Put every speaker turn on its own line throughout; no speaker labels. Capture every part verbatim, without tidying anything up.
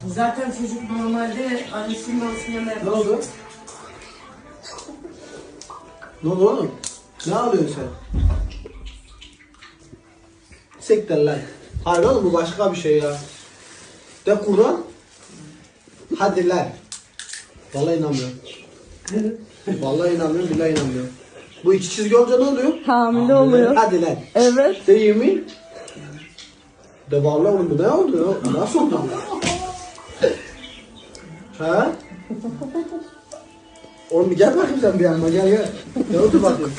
Zaten çocuk normalde annesinin babasının yanında
Ne
yapar.
oldu? Ne oldu oğlum? Ne alıyorsun sen? Siktir lan. Hayır oğlum bu başka bir şey ya. De Kur'an. Hadi lan. Vallahi inanmıyorum. Vallahi inanmıyorum, billahi inanmıyorum. Bu iki çizgi olunca ne oluyor?
Hamile oluyor.
Hadi lan.
Evet.
De yemin. De vallahi oğlum bu ne oldu ya? Nasıl oldu bu? Ha? Oğlum bir gel bakayım sen bir yanıma gel gel. Ne oldu bakayım?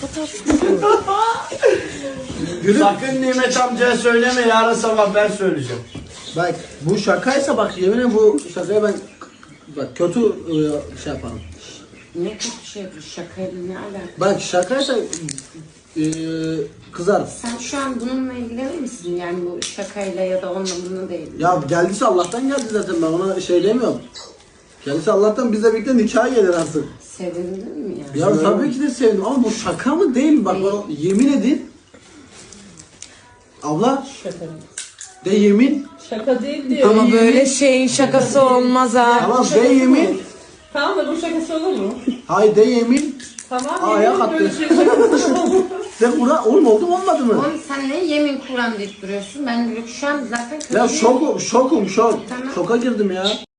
Gülüm.
Sakın Nimet amcaya söyleme, yarın sabah ben söyleyeceğim.
Bak bu şakaysa bak yemin ederim bu şakaya ben bak kötü e, şey yaparım.
Ne kötü şey yapıyor, şakayla ne alaka?
Bak şakaysa e, kızarım.
Sen şu an bununla ilgilenir misin? Yani bu şakayla ya da onunla bununla değil.
Ya geldiyse Allah'tan geldi zaten ben ona şey demiyorum. Geldiyse Allah'tan bizle birlikte nikah gelir artık.
Sevindin mi yani?
Ya tabii ki de sevdim ama bu şaka mı değil mi? Bak bana yemin edin. Abla
Şaka.
de yemin.
Şaka değil diyor.
Ama böyle şeyin şakası olmaz ha.
Tamam de yemin.
Tamam da bu şakası olur mu?
Hay de yemin.
Tamam.
Aa, ayak
yemin böyle
attı.
şey şakası olur.
De Kur'an oğlum oldu mu olmadı mı?
Oğlum sen ne yemin Kur'an deyip duruyorsun? Ben şu an zaten kötü
Ya
değilim.
şokum şokum şok.
Tamam.
Şoka girdim ya.